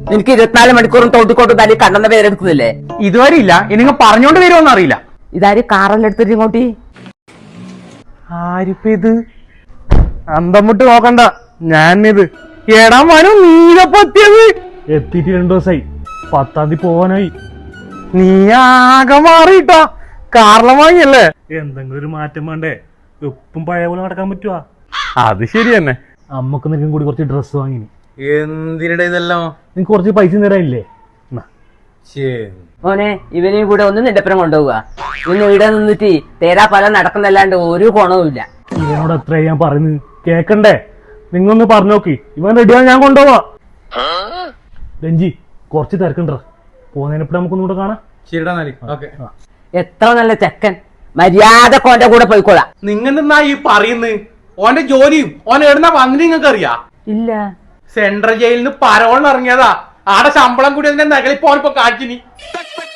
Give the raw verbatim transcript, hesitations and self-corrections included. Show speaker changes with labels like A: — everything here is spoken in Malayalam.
A: നിനക്ക് ഇരുപത്തിനാല് മണിക്കൂറും തോട്ടിക്കോട്ട് തല്ലി കണ്ണെന്ന പേരെടുക്കുന്നില്ലേ?
B: ഇതുവരെ ഇല്ല, ഇനി പറഞ്ഞോണ്ട് വരുമോന്ന് അറിയില്ല.
A: ഇതാര് കാറെല്ലാം എടുത്തിട്ട് ഇങ്ങോട്ട്?
B: ആരിപ്പ ഇത്? അന്തം വിട്ട് നോക്കണ്ട, ഞാൻ ഇത് എടാ മനു നീലപ്പത്തിയത് എത്തിയിട്ട് രണ്ടു ദിവസമായി, പത്താം തീയതി പോവാനായി. നീ ആകെ മാറിയിട്ടാ, കാറിലെ വാങ്ങിയല്ലേ? എന്തെങ്കിലും ഒരു മാറ്റം വേണ്ടേ? ഉപ്പും പഴയ പോലെ നടക്കാൻ പറ്റുവാ? അത് ശരി തന്നെ. അമ്മക്ക് നിനക്കും കൂടി കുറച്ച് ഡ്രസ്സ് വാങ്ങിനി. എന്തിനട ഇതെല്ലാം? നിനക്ക് കുറച്ച് പൈസ തരാനില്ലേ?
A: മോനെ, ഇവനെയും കൂടെ ഒന്ന് നിന്റെ കൊണ്ടുപോവുക. ഇന്ന് ഇവിടെ നിന്നിട്ട് തേരാ പല നടക്കുന്നല്ലാണ്ട് ഒരു ഗുണവുമില്ല.
B: ഇവനോട് എത്ര ഞാൻ പറയുന്നത് കേക്കണ്ടേ? നിങ്ങൊന്ന് പറഞ്ഞു നോക്കി, ഇവൻ റെഡിയാ, ഞാൻ കൊണ്ടുപോവാ. രഞ്ജി കുറച്ച് തിരക്കണ്ട, പോകുന്നതിനെപ്പോ നമുക്കൊന്നുകൂടെ കാണാം.
A: എത്ര നല്ല ചെക്കൻ, മര്യാദ ഓന്റെ കൂടെ പോയിക്കോളാം.
B: നിങ്ങെന്നാ ഈ പറയുന്നത്? ഓന്റെ ജോലിയും ഓൻ എവിടുന്ന വന്നിട്ട് നിങ്ങൾക്ക് അറിയാ?
A: ഇല്ല,
B: സെൻട്രൽ ജയിലിൽ നിന്ന് പരോളിന് ഇറങ്ങിയതാ. ആടെ ശമ്പളം കൂടി അതിന്റെ നകളിപ്പോ ഓനിപ്പോ കാണിച്ചിനി.